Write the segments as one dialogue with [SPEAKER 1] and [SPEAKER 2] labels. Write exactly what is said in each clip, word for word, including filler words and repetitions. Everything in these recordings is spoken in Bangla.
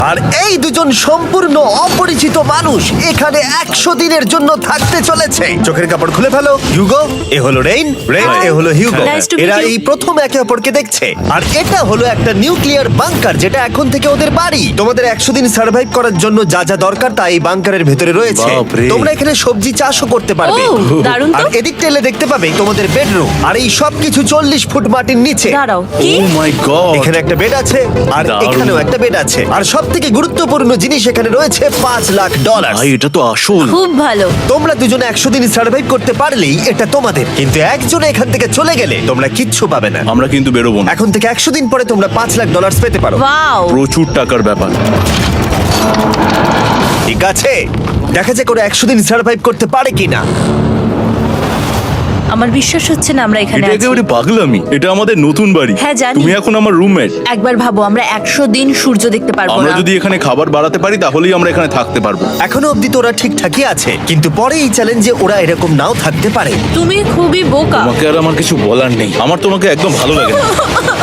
[SPEAKER 1] আর এই দুজন সম্পূর্ণ অপরিচিত মানুষ এখানে একশো দিনের জন্য থাকতে চলেছে। চোখের কাপড় খুলে ফেলো। হিউগো, এ হলো রেইন, রেইন এ হলো হিউগো।
[SPEAKER 2] Nice to meet
[SPEAKER 1] এরা
[SPEAKER 2] you.
[SPEAKER 1] এই প্রথম একে অপরকে দেখছে। আর এটা হলো একটা নিউক্লিয়ার বাংকার যেটা এখন থেকে ওদের বাড়ি। তোমাদের একশো দিন সার্ভাইভ করার জন্য যা যা দরকার তা এই বাংকারের ভেতরে রয়েছে।
[SPEAKER 3] বাপরে।
[SPEAKER 1] তোমরা এখানে সবজি চাষও করতে পারবে।
[SPEAKER 2] ও, দারুণ তো।
[SPEAKER 1] আর এদিক টেলে দেখতে পাবে তোমাদের বেডরুম। আর এই সব কিছু চল্লিশ ফুট মাটির নিচে।
[SPEAKER 2] দাঁড়াও, কি?
[SPEAKER 3] Oh my God.
[SPEAKER 1] এখানে একটা বেড আছে আর
[SPEAKER 3] দারুণ।
[SPEAKER 1] এখানেও একটা বেড আছে। আর সব থেকে গুরুত্বপূর্ণ জিনিস এখানে রয়েছে পাঁচ লাখ ডলার।
[SPEAKER 3] ভাই এটা তো আসল।
[SPEAKER 2] খুব ভালো।
[SPEAKER 1] তোমরা দুজনে একশো দিন সার্ভাইভ করতে পারলেই এটা তোমাদের, কিন্তু একজন এখান থেকে চলে গেলে তোমরা কিচ্ছু পাবে না।
[SPEAKER 3] আমরা কিন্তু বেরোবো না।
[SPEAKER 1] এখন থেকে একশো দিন পরে তোমরা পাঁচ লাখ ডলার পেতে পারো।
[SPEAKER 2] ওয়াও।
[SPEAKER 3] প্রচুর টাকার ব্যাপার।
[SPEAKER 1] ঠিক আছে, দেখা যাক ওরা একশো দিন সার্ভাইভ করতে পারে কিনা।
[SPEAKER 2] আমার বিশ্বাস হচ্ছে না আমরা এখানে
[SPEAKER 3] এটা
[SPEAKER 2] আছি।
[SPEAKER 3] একেবারে পাগলামি। এটা আমাদের নতুন বাড়ি।
[SPEAKER 2] হ্যাঁ, জানি।
[SPEAKER 3] তুমি এখন আমার রুমমেট।
[SPEAKER 2] একবার ভাবো, আমরা একশো দিন সূর্য দেখতে পারবো
[SPEAKER 3] আমরা
[SPEAKER 2] না।
[SPEAKER 3] যদি এখানে খাবার বাড়াতে পারি তাহলেই আমরা এখানে থাকতে পারবো।
[SPEAKER 1] এখনো অব্দি তো ওরা ঠিকঠাকই আছে, কিন্তু পরে এই চ্যালেঞ্জে ওরা এরকম নাও থাকতে পারে।
[SPEAKER 2] তুমি খুবই বোকা।
[SPEAKER 3] তোমাকে আর আমার কিছু বলার নেই। আমার তোমাকে একদম ভালো লাগে না।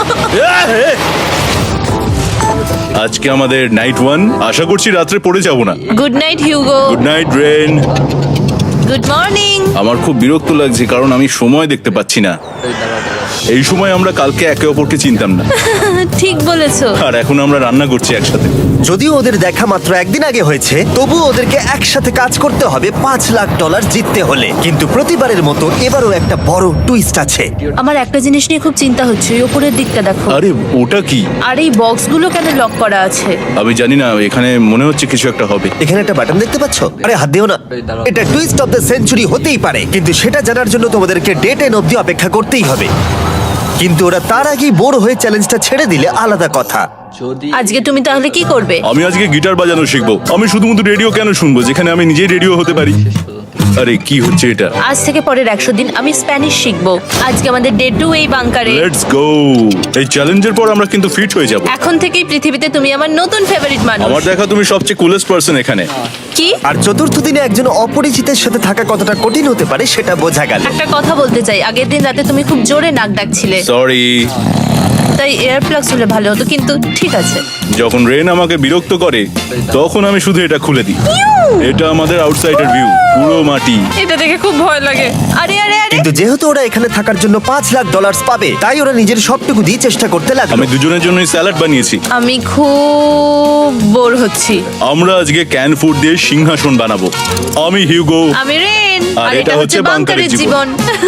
[SPEAKER 3] আজকে আমাদের নাইট ওয়ান। আশা করছি রাত্রে পড়ে যাব না।
[SPEAKER 2] Good night Hugo.
[SPEAKER 3] Good night Rain.
[SPEAKER 2] Good morning.
[SPEAKER 3] আমার খুব বিরক্ত লাগছে কারণ আমি সময় দেখতে পাচ্ছি না। এই সময় আমরা কালকে একে অপরকে চিনতাম না,
[SPEAKER 2] ঠিক বলেছো।
[SPEAKER 3] আর এখন আমরা রান্না করছি একসাথে।
[SPEAKER 1] যদিও ওদের দেখা মাত্র একদিন আগে হয়েছে, তবুও ওদেরকে একসাথে কাজ করতে হবে পাঁচ লাখ ডলার জিততে হলে। কিন্তু প্রতিবারের মতো এবারও একটা বড় টুইস্ট আছে।
[SPEAKER 2] আমার একটা জিনিস নিয়ে খুব চিন্তা হচ্ছে, ওই উপরের দিকটা দেখো।
[SPEAKER 3] আরে ওটা কি?
[SPEAKER 2] আর এই বক্সগুলো কেন লক করা আছে?
[SPEAKER 3] আমি জানি না, এখানে মনে হচ্ছে কিছু একটা হবে।
[SPEAKER 1] এখানে একটা বাটন দেখতে পাচ্ছ? আরে হাত দিও না। এটা টুইস্ট অফ দ্য সেঞ্চুরি হতেই পারে, কিন্তু সেটা জানার জন্য তোমাদেরকে ডে টেন অব্দি অপেক্ষা করতেই হবে। কিন্তু ওরা তার আগেই বোর হয়ে চ্যালেঞ্জটা ছেড়ে দিলে আলাদা কথা।
[SPEAKER 2] আজকে তুমি তাহলে কি করবে?
[SPEAKER 3] আমি আজকে গিটার বাজানো শিখবো। আমি শুধুমাত্র রেডিও কেন শুনবো যেখানে আমি নিজেই রেডিও হতে পারি? আরে কি হচ্ছে এটা?
[SPEAKER 2] আজ থেকে পরের একশো দিন আমি স্প্যানিশ শিখবো। আজকে আমাদের ডে টু এই বাংকারে।
[SPEAKER 3] Let's go. এই চ্যালেঞ্জের পর আমরা কিন্তু ফিট হয়ে যাব।
[SPEAKER 2] এখন থেকেই পৃথিবীতে তুমি আমার নতুন ফেভারিট মানুষ।
[SPEAKER 3] আমার দেখা তুমি সবচেয়ে কুলেস্ট পারসন এখানে।
[SPEAKER 2] কি?
[SPEAKER 1] আর চতুর্থ দিনে একজন অপরিচিতের সাথে থাকা কতটা কঠিন হতে পারে সেটা বোঝা গেল।
[SPEAKER 2] একটা কথা বলতে চাই, আগের দিন রাতে তুমি খুব জোরে নাক ডাকছিলে,
[SPEAKER 3] সরি।
[SPEAKER 2] তাই এয়ার প্লাগস হলে ভালো হতো, কিন্তু ঠিক আছে।
[SPEAKER 3] যখন রেন আমাকে বিরক্ত করে তখন আমি শুধু এটা খুলে দিই। এটা আমাদের আউটসাইডার ভিউ, পুরো মাটি।
[SPEAKER 2] এটা দেখে খুব ভয় লাগে। আরে আরে আরে
[SPEAKER 1] কিন্তু যেহেতু ওরা এখানে থাকার জন্য পাঁচ লাখ ডলার পাবে, তাই ওরা নিজের সবটুকু দিয়ে চেষ্টা করতে লাগলো।
[SPEAKER 3] আমি দুজনের জন্যই স্যালাড বানিয়েছি।
[SPEAKER 2] আমি খুব বোর হচ্ছি।
[SPEAKER 3] আমরা আজকে ক্যান ফুড দিয়ে সিংহাসন বানাবো। আমি হিউগো।
[SPEAKER 2] আমি রেন,
[SPEAKER 3] আর
[SPEAKER 2] আর
[SPEAKER 3] এটা
[SPEAKER 2] এটা হচ্ছে
[SPEAKER 3] হচ্ছে
[SPEAKER 2] বাংকারের
[SPEAKER 3] বাংকারের
[SPEAKER 2] জীবন।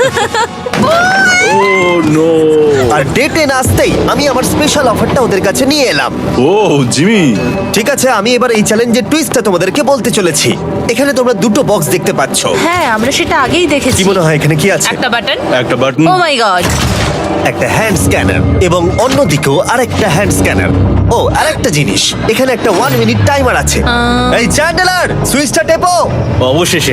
[SPEAKER 3] Oh no.
[SPEAKER 1] আর ডে টেন আসতেই আমি আমার স্পেশাল অফারটা ওদের কাছে নিয়ে এলাম।
[SPEAKER 3] Oh Jimmy.
[SPEAKER 1] ঠিক আছে, আমি এবার এই চ্যালেঞ্জের টুইস্টটা তোমাদেরকে বলতে চলেছি। এখানে তোমরা দুটো বক্স দেখতে পাচ্ছ।
[SPEAKER 2] হ্যাঁ, আমরা সেটা আগেই দেখেছি।
[SPEAKER 1] কি মনে হয় এখানে কি আছে?
[SPEAKER 2] একটা বাটন।
[SPEAKER 3] একটা বাটন।
[SPEAKER 2] Oh my God.
[SPEAKER 1] একটা হ্যান্ড স্ক্যানার এবং অন্যদিকেও আরেকটা হ্যান্ড স্ক্যানার। ও আরেকটা জিনিস, এখানে একটা ওয়ান মিনিট টাইমার আছে।
[SPEAKER 2] আহ।
[SPEAKER 1] এই চ্যান্ডেলার, সুইচটা টেপো।
[SPEAKER 3] অবশেষে।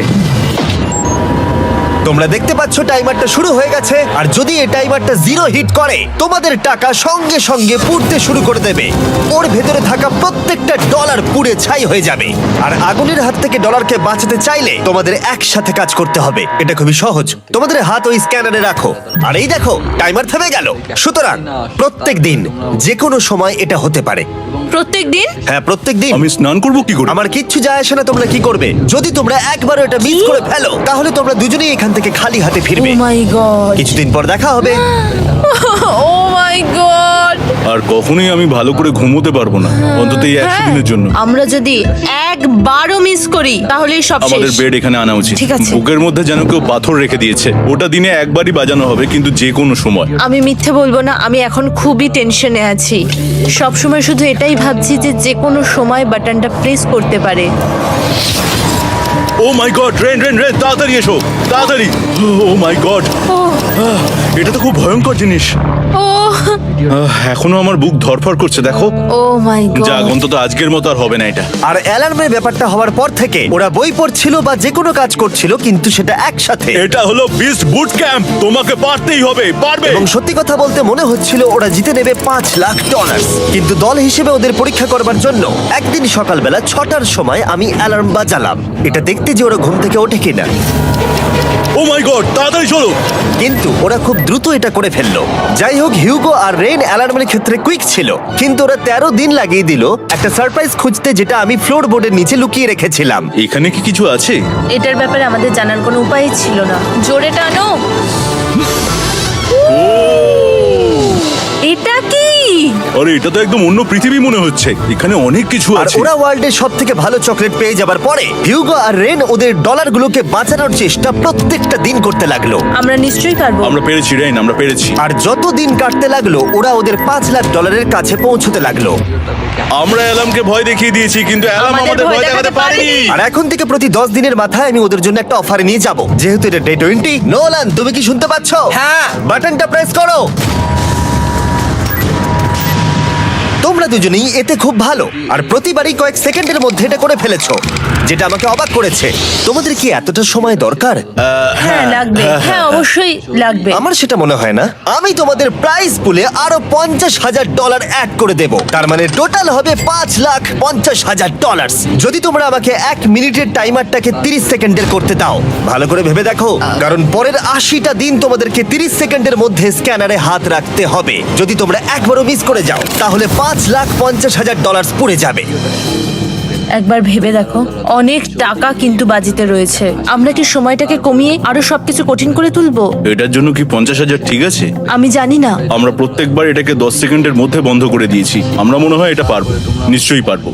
[SPEAKER 1] তোমরা দেখতে পাচ্ছ টাইমারটা শুরু হয়ে গেছে। আর যদি এই টাইমারটা জিরো হিট করে, তোমাদের টাকা সঙ্গে সঙ্গে পুড়তে শুরু করে দেবে। ওর ভেতরে থাকা প্রত্যেকটা ডলার পুড়ে ছাই হয়ে যাবে। আর আগুনের হাত থেকে ডলারকে বাঁচাতে চাইলে তোমাদের একসাথে কাজ করতে হবে। এটা খুবই সহজ। তোমাদের হাত ওই স্ক্যানারে রাখো, আর এই দেখো টাইমার থেমে গেল। সুতরাং প্রত্যেক দিন যে কোনো সময় এটা হতে পারে।
[SPEAKER 2] প্রত্যেক দিন?
[SPEAKER 1] হ্যাঁ, প্রত্যেক দিন।
[SPEAKER 3] আমি স্নান করব কি করে?
[SPEAKER 1] আমার কিচ্ছু যায় আসে না তোমরা কি করবে। যদি তোমরা একবারও এটা মিস করে ফেলো, তাহলে তোমরা দুজনেই এখান থেকে খালি হাতে
[SPEAKER 2] ও
[SPEAKER 1] ফিরবে।
[SPEAKER 2] My God.
[SPEAKER 1] কিছুদিন পর দেখা হবে।
[SPEAKER 2] ও মাই গড।
[SPEAKER 3] আর কখনোই আমি ভালো করে ঘুমোতে পারবো না, অন্তত এই একশো দিনের জন্য।
[SPEAKER 2] আমরা যদি একবারও মিস করি তাহলেই সব
[SPEAKER 3] আমাদের
[SPEAKER 2] শেষ।
[SPEAKER 3] বেড এখানে আনা উচিত।
[SPEAKER 2] ঠিক আছে।
[SPEAKER 3] বুকের মধ্যে যেন কেউ পাথর রেখে দিয়েছে। ওটা দিনে একবারই বাজানো হবে, কিন্তু যে কোনো সময়।
[SPEAKER 2] আমি মিথ্যে বলবো না, আমি এখন খুবই টেনশনে আছি। সব সময় শুধু এটাই ভাবছি যে যে কোনো সময় বাটনটা প্রেস করতে পারে।
[SPEAKER 3] Oh my God, Rain Rain Rain, তাড়াতাড়ি এসো, তাড়াতাড়ি। ও মাই গড,
[SPEAKER 2] ও
[SPEAKER 3] এটা তো খুব ভয়ঙ্কর জিনিস।
[SPEAKER 2] ও
[SPEAKER 3] আহ, এখনো আমার বুক ধরফর করছে, দেখো।
[SPEAKER 2] ও মাই
[SPEAKER 3] যাক,
[SPEAKER 2] গড।
[SPEAKER 3] অন্তত আজকের মতো আর হবে না এটা।
[SPEAKER 1] আর অ্যালার্মের ব্যাপারটা হওয়ার পর থেকে ওরা বই পড়ছিল বা যে কোনো কাজ করছিল, কিন্তু সেটা একসাথে।
[SPEAKER 3] এটা হলো বিস্ট বুট ক্যাম্প, তোমাকে পারতেই হবে, পারবে।
[SPEAKER 1] এবং সত্যি কথা বলতে মনে হচ্ছিল ওরা জিতে নেবে পাঁচ লাখ ডলার। কিন্তু দল হিসেবে ওদের পরীক্ষা করবার জন্য একদিন সকালবেলা ছটার সময় আমি অ্যালার্ম বাজালাম। এটা দেখতে দেখতে যে ওরা ঘুম থেকে ওঠে কিনা।
[SPEAKER 3] ও মাই গড, তাড়াতাড়ি চলো।
[SPEAKER 1] কিন্তু ওরা খুব দ্রুত এটা করে ফেললো। যাই হোক, হিউগো আর রেন অ্যালার্মের ক্ষেত্রে কুইক ছিল, কিন্তু ওরা তেরো দিন লাগিয়ে দিল একটা সারপ্রাইজ খুঁজতে, যেটা আমি ফ্লোর বোর্ডের নিচে লুকিয়ে রেখেছিলাম।
[SPEAKER 3] এখানে কি কিছু আছে?
[SPEAKER 2] এটার ব্যাপারে আমাদের জানার কোনো উপায় ছিল না। জোরে টানো। এটা কি?
[SPEAKER 3] আরে এটা তো একদম অন্য পৃথিবী মনে হচ্ছে। এখানে অনেক কিছু
[SPEAKER 1] আর
[SPEAKER 3] আছে।
[SPEAKER 1] ওরা ওয়ার্ল্ডের সব থেকে ভালো চকলেট পেয়ে যাবার পরে হিউগো আর রেন ওদের ডলারগুলোকে বাঁচানোর চেষ্টা প্রত্যেকটা দিন করতে লাগলো।
[SPEAKER 2] আমরা নিশ্চয়ই পারবো।
[SPEAKER 3] আমরা পেরেছি রেন, আমরা পেরেছি।
[SPEAKER 1] আর যত দিন কাটতে লাগলো, ওরা ওদের পাঁচ লাখ ডলারের কাছে পৌঁছতে লাগলো।
[SPEAKER 3] আমরা অ্যালামকে ভয় দেখিয়ে দিয়েছি, কিন্তু অ্যালাম
[SPEAKER 2] আমাদের
[SPEAKER 3] আমাদের
[SPEAKER 2] ভয়
[SPEAKER 3] ভয় দেখাতে
[SPEAKER 2] দেখাতে
[SPEAKER 3] পারেনি।
[SPEAKER 2] পারেনি।
[SPEAKER 1] আর এখন থেকে প্রতি দশ দিনের মাথায় আমি ওদের জন্য একটা অফার নিয়ে যাব, যেহেতু এটা ডে টোয়েন্টি। নোলান, তুমি কি শুনতে পাচ্ছ?
[SPEAKER 4] হ্যাঁ।
[SPEAKER 1] বাটনটা প্রেস করো। তোমরা দুজনেই এতে খুব ভালো, আর প্রতিবারই কয়েক সেকেন্ডের মধ্যে এটা করে ফেলেছো, যেটা আমাকে অবাক করেছে। তোমাদের কি এতটা সময় দরকার?
[SPEAKER 2] হ্যাঁ লাগবে, হ্যাঁ অবশ্যই লাগবে।
[SPEAKER 1] আমার সেটা মনে হয় না। আমি তোমাদের প্রাইস পুলে আরো পঞ্চাশ হাজার ডলার অ্যাড করে দেব, তার মানে টোটাল হবে পাঁচ লাখ পঞ্চাশ হাজার ডলার, যদি তোমরা আমাকে এক মিনিটের টাইমারটাকে তিরিশ সেকেন্ডের করতে দাও। ভালো করে ভেবে দেখো, কারণ পরের আশিটা দিন তোমাদেরকে তিরিশ সেকেন্ডের মধ্যে স্ক্যানারে হাত রাখতে হবে। যদি তোমরা একবারও মিস করে যাও, তাহলে পাঁচ লাখ পঞ্চাশ হাজার ডলার পড়ে যাবে।
[SPEAKER 2] একবার ভেবে দেখো, অনেক টাকা কিন্তু বাজিতে রয়েছে। আমরা কি সময়টাকে কমিয়ে আরো সবকিছু কঠিন করে তুলবো?
[SPEAKER 3] এটার জন্য কি পঞ্চাশ হাজার ঠিক আছে?
[SPEAKER 2] আমি জানি না।
[SPEAKER 3] আমরা প্রত্যেকবার এটাকে দশ সেকেন্ডের মধ্যে বন্ধ করে দিয়েছি। আমরা মনে হয় এটা পারবো, নিশ্চয়ই পারবো।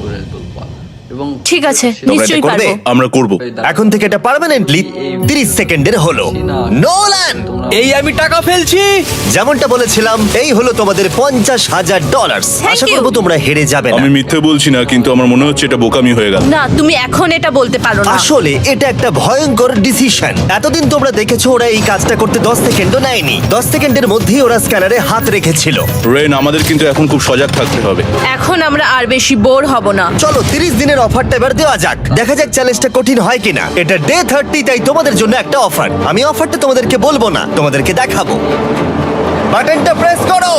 [SPEAKER 4] এবং
[SPEAKER 2] ঠিক আছে,
[SPEAKER 1] এটা
[SPEAKER 2] নিশ্চয়ই
[SPEAKER 1] করবে?
[SPEAKER 2] পারবো।
[SPEAKER 3] আমরা করব।
[SPEAKER 1] এখন থেকে এটা পার্মানেন্টলি তিরিশ সেকেন্ডের হলো। নোলান,
[SPEAKER 4] এই আমি টাকা ফেলছি।
[SPEAKER 1] যেমনটা বলেছিলাম, এই হলো তোমাদের পঞ্চাশ হাজার ডলার।
[SPEAKER 2] Thank
[SPEAKER 1] Asha
[SPEAKER 2] you.
[SPEAKER 1] করবো তোমরা হেরে যাবে না।
[SPEAKER 3] আমি মিথ্যে বলছি না, কিন্তু আমার মনে হচ্ছে এটা বোকামি হয়ে গেল।
[SPEAKER 2] না, তুমি এখন এটা বলতে পারো না।
[SPEAKER 1] আসলে এটা একটা ভয়ঙ্কর ডিসিশন। এতদিন তোমরা দেখেছো ওরা এই কাজটা করতে দশ সেকেন্ডও নেয়নি। দশ সেকেন্ডের মধ্যেই ওরা স্ক্যানারে হাত রেখেছিল।
[SPEAKER 3] রেন, আমাদের কিন্তু এখন খুব সজাগ থাকতে হবে।
[SPEAKER 2] এখন আমরা আর বেশি বোর হব না।
[SPEAKER 1] চলো তিরিশ দিনের অফারটা এবার দেওয়া যাক, দেখা যাক চ্যালেঞ্জটা কঠিন হয় কিনা। এটা ডে থার্টি, তাই তোমাদের জন্য একটা অফার। আমি অফারটা তোমাদেরকে বলবো না, তোমাদেরকে দেখাবো। বাটনটা প্রেস করো।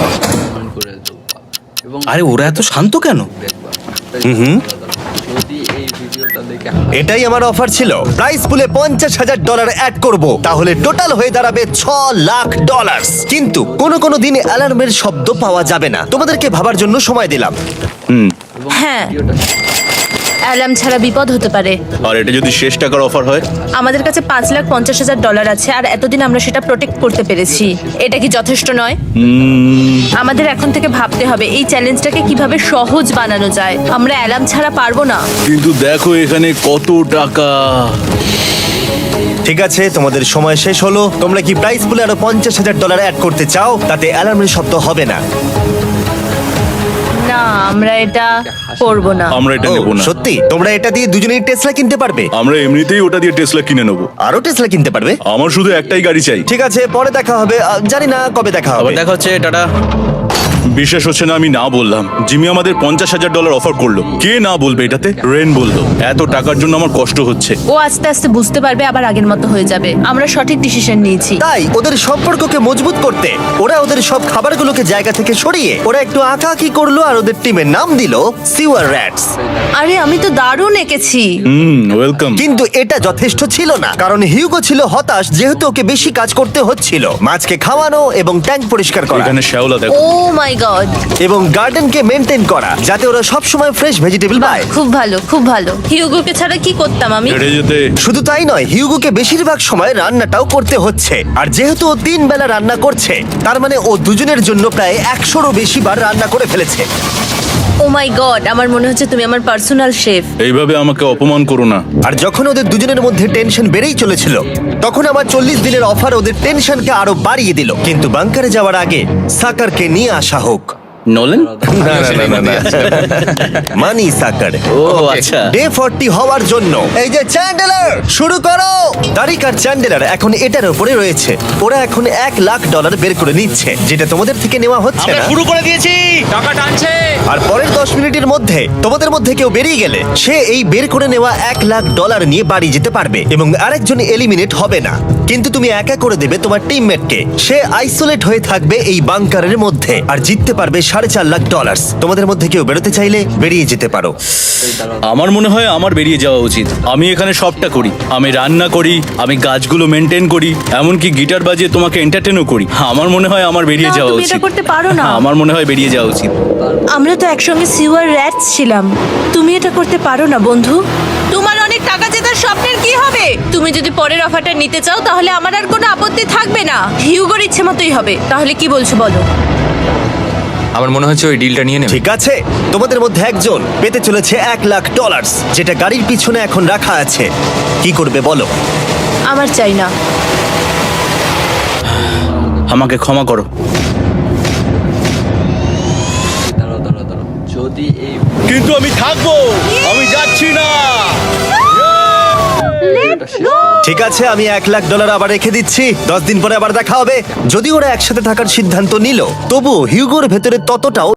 [SPEAKER 4] করে দেবো। এবং
[SPEAKER 5] আরে ওরা এত শান্ত কেন?
[SPEAKER 1] হুম,
[SPEAKER 4] যদি এই ভিডিওটা দেখে
[SPEAKER 1] এটাই আমার অফার ছিল। প্রাইস পুলে পঞ্চাশ হাজার ডলার অ্যাড করব, তাহলে টোটাল হয়ে দাঁড়াবে ছ লাখ ডলার। কিন্তু কোনো কোনো দিন অ্যালার্মের শব্দ পাওয়া যাবে না। তোমাদেরকে ভাবার জন্য সময় দিলাম।
[SPEAKER 3] হুম।
[SPEAKER 2] হ্যাঁ, অ্যালার্ম ছাড়া বিপদ হতে পারে।
[SPEAKER 3] আর এটা যদি শেষ টাকার অফার হয়?
[SPEAKER 2] আমাদের কাছে পাঁচ লাখ পঞ্চাশ হাজার ডলার আছে, আর এতদিন আমরা সেটা প্রোটেক্ট করতে পেরেছি। এটা কি যথেষ্ট নয়?
[SPEAKER 3] উম,
[SPEAKER 2] আমাদের এখন থেকে ভাবতে হবে এই চ্যালেঞ্জটাকে কিভাবে সহজ বানানো যায়। আমরা অ্যালার্ম ছাড়া পারবো না।
[SPEAKER 3] কিন্তু দেখো এখানে কত টাকা।
[SPEAKER 1] ঠিক আছে, তোমাদের সময় শেষ হলো। তোমরা কি প্রাইস পুলে আরো পঞ্চাশ হাজার ডলার অ্যাড করতে চাও? তাতে অ্যালার্মের শব্দ হবে না।
[SPEAKER 2] না, আমরা এটা করবো না।
[SPEAKER 3] আমরা এটা
[SPEAKER 1] ও,
[SPEAKER 3] নেব না।
[SPEAKER 1] সত্যি? তোমরা এটা দিয়ে দুজনেই টেসলা কিনতে পারবে,
[SPEAKER 3] আমরা এমনিতেই ওটা দিয়ে টেসলা কিনে নেবো।
[SPEAKER 1] আরো টেসলা কিনতে পারবে।
[SPEAKER 3] আমার শুধু একটাই গাড়ি চাই।
[SPEAKER 1] ঠিক আছে, পরে দেখা হবে। আহ, জানি না কবে দেখা হবে।
[SPEAKER 5] আবার দেখা হচ্ছে, টাটা।
[SPEAKER 3] বিশ্বাস হচ্ছে না আমি না বললাম। জিমি আমাদের পঞ্চাশ হাজার ডলার অফার করলো। কে না বলবে এটাতে? রেন বললো। এত টাকার জন্য আমার কষ্ট হচ্ছে।
[SPEAKER 2] ও আস্তে আস্তে বুঝতে পারবে, আবার আগের মতো হয়ে যাবে। আমরা সঠিক ডিসিশন নিয়েছি।
[SPEAKER 1] তাই ওদের সম্পর্ককে মজবুত করতে ওরা ওদের সব খাবারগুলোকে জায়গা থেকে সরিয়ে ওরা একটু আঁকাআঁকি করলো, আর ওদের টিমের নাম দিল সিওয়ার র্যাটস।
[SPEAKER 2] আরে আমি তো দারুণ এঁকেছি।
[SPEAKER 3] Hmm, welcome.
[SPEAKER 1] কিন্তু এটা যথেষ্ট ছিল না, কারণ হিউগো ছিল হতাশ, যেহেতু ওকে বেশি কাজ করতে হচ্ছিল। মাছকে খাওয়ানো এবং ট্যাঙ্ক পরিষ্কার করা
[SPEAKER 3] এখানে শ্যাওলা দেখো।
[SPEAKER 2] ও মাই গড,
[SPEAKER 1] এবং গার্ডেনকে মেনটেন করা, যাতে ওরা সব সময় ফ্রেশ ভেজিটেবল পায়।
[SPEAKER 2] খুব ভালো, খুব ভালো। হিউগোকে ছাড়া কি করতাম আমি?
[SPEAKER 3] হেঁটে যেতে।
[SPEAKER 1] শুধু তাই নয়, হিউগোকে বেশিরভাগ সময় রান্নাটাও করতে হচ্ছে। আর যেহেতু ও তিন বেলা রান্না করছে, তার মানে ও দুজনের জন্য প্রায় একশোরও বেশি বার রান্না করে ফেলেছে।
[SPEAKER 2] ও মাই গড, আমার মনে হচ্ছে তুমি আমার পার্সোনাল শেফ।
[SPEAKER 3] এইভাবে আমাকে অপমান করো না।
[SPEAKER 1] আর যখন ওদের দুজনের মধ্যে টেনশন বেড়েই চলেছিল, তখন আমার চল্লিশ দিনের অফার ওদের টেনশনকে আরো বাড়িয়ে দিল। কিন্তু বাংকারে যাওয়ার আগে সাকারকে নিয়ে আসা হোক।
[SPEAKER 5] নোলেন?
[SPEAKER 1] না না না না, না মানি সাকার।
[SPEAKER 5] ও আচ্ছা।
[SPEAKER 1] ডে ফর্টি হওয়ার জন্য এই যে চ্যান্ডেলার শুরু করো। তারিক আর চ্যান্ডেলার এখন এটার উপরে রয়েছে। ওরা এখন এক লাখ ডলার বের করে নিচ্ছে, যেটা তোমাদের থেকে নেওয়া হচ্ছে
[SPEAKER 5] আমরা
[SPEAKER 1] না।
[SPEAKER 5] শুরু করে দিয়েছি, টাকা টানছে।
[SPEAKER 1] আর পরের দশ মিনিটের মধ্যে তোমাদের মধ্যে কেউ বেরিয়ে গেলে সে এই বের করে নেওয়া এক লাখ ডলার নিয়ে বাড়ি যেতে পারবে, এবং আরেকজন এলিমিনেট হবে না। কিন্তু তুমি একা করে দেবে তোমার টিমমেটকে। সে আইসোলেট হয়ে থাকবে এই বাংকারের মধ্যে, আর জিততে পারবে সাড়ে চার লাখ ডলার। তোমাদের মধ্যে কেউ বেরোতে চাইলে বেরিয়ে যেতে পারো।
[SPEAKER 4] এই দাঁড়াও,
[SPEAKER 3] আমার মনে হয় আমার বেরিয়ে যাওয়া উচিত। আমি এখানে সবটা করি, আমি রান্না করি, আমি গাছগুলো মেনটেন করি, এমনকি গিটার বাজিয়ে তোমাকে এন্টারটেনও করি। আমার মনে হয় আমার বেরিয়ে
[SPEAKER 2] না,
[SPEAKER 3] যাওয়া
[SPEAKER 2] তুমি
[SPEAKER 3] উচিত।
[SPEAKER 2] এটা করতে পারো না।
[SPEAKER 3] আমার মনে হয় বেরিয়ে যাওয়া উচিত।
[SPEAKER 2] আমরা তো একসঙ্গে সিওয়ার র্যাটস ছিলাম। তুমি এটা করতে পারো না বন্ধু। তোমার অনেক টাকা জেতার স্বপ্নের কি হবে? তুমি যদি পরের অফারটা নিতে চাও তাহলে আমার আর কোনো আপত্তি থাকবে না। হিউগোর ইচ্ছে মতোই হবে। তাহলে কি বলছো বলো?
[SPEAKER 6] আমার মনে হচ্ছে ওই ডিলটা নিয়ে নেবে।
[SPEAKER 1] ঠিক আছে, তোমাদের মধ্যে একজন পেতে চলেছে এক লাখ ডলার, যেটা গাড়ির পিছনে এখন রাখা আছে। কি করবে বলো?
[SPEAKER 2] আমার চাই না।
[SPEAKER 3] আমাকে ক্ষমা করো।
[SPEAKER 4] দাঁড়াও দাঁড়াও দাঁড়াও যদি এই
[SPEAKER 3] কিন্তু আমি থাকবো, আমি যাচ্ছি না।
[SPEAKER 4] ভিডিওটা শেষ
[SPEAKER 1] ঠিক আছে, আমি এক লাখ ডলার আবার রেখে দিচ্ছি। দশ দিন পরে আবার দেখা হবে। যদি ওরা একসাথে থাকার সিদ্ধান্ত নিল, তবুও হিউগোর ভেতরে ততটাও